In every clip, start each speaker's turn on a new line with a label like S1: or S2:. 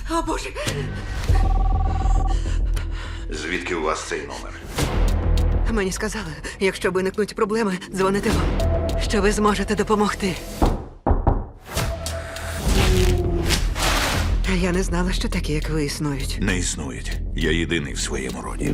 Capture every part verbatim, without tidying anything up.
S1: О, Боже!
S2: Звідки у вас цей номер?
S1: Мені сказали, якщо виникнуть проблеми, дзвоните вам, що ви зможете допомогти. Та я не знала, що такі, як ви, існують.
S2: Не існують. Я єдиний в своєму роді.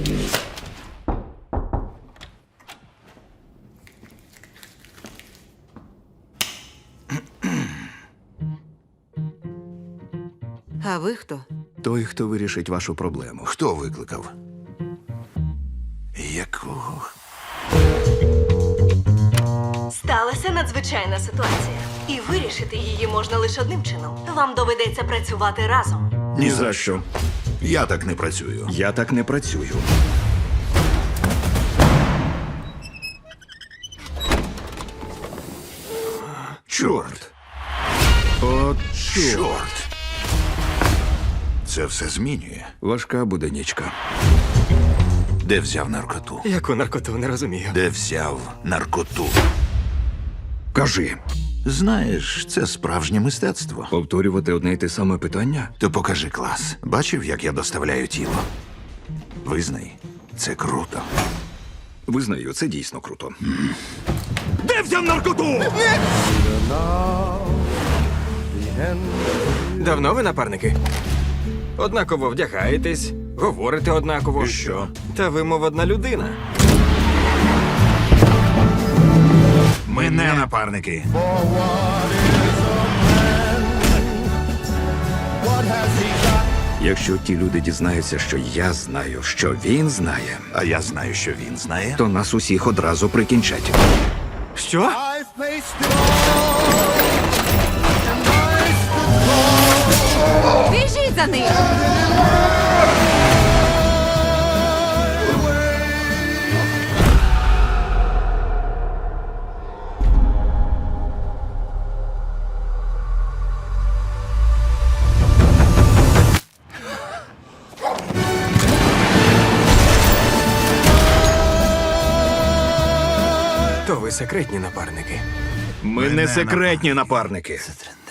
S1: А ви хто?
S3: Той, хто вирішить вашу проблему.
S2: Хто викликав? Якого?
S4: Сталася надзвичайна ситуація. І вирішити її можна лише одним чином. Вам доведеться працювати разом.
S3: Ні за що.
S2: Я так не працюю.
S3: Я так не працюю.
S2: Чорт!
S3: От чорт.
S2: Чорт! Це все змінює.
S3: Важка буде нічка.
S2: Де взяв наркоту?
S5: Яку наркоту, не розумію.
S2: Де взяв наркоту?
S3: Кажи,
S2: Знаєш, це справжнє мистецтво.
S3: повторювати одне й те саме питання?
S2: То покажи клас. Бачив, як я доставляю тіло? Визнай, це круто.
S3: Визнаю, це дійсно круто. Де взяв наркоту?
S5: Давно ви напарники? Однаково вдягаєтесь, говорите однаково.
S2: І що?
S5: Та ви, мов одна людина.
S2: Ми не напарники.
S3: Якщо ті люди дізнаються, що я знаю, що він знає,
S2: А я знаю, що він знає.
S3: то нас усіх одразу прикінчать.
S5: Що?
S1: Біжіть за ним!
S5: То ви секретні напарники.
S3: Ми
S2: Ми
S3: не
S2: не
S3: секретні напарники.
S2: Це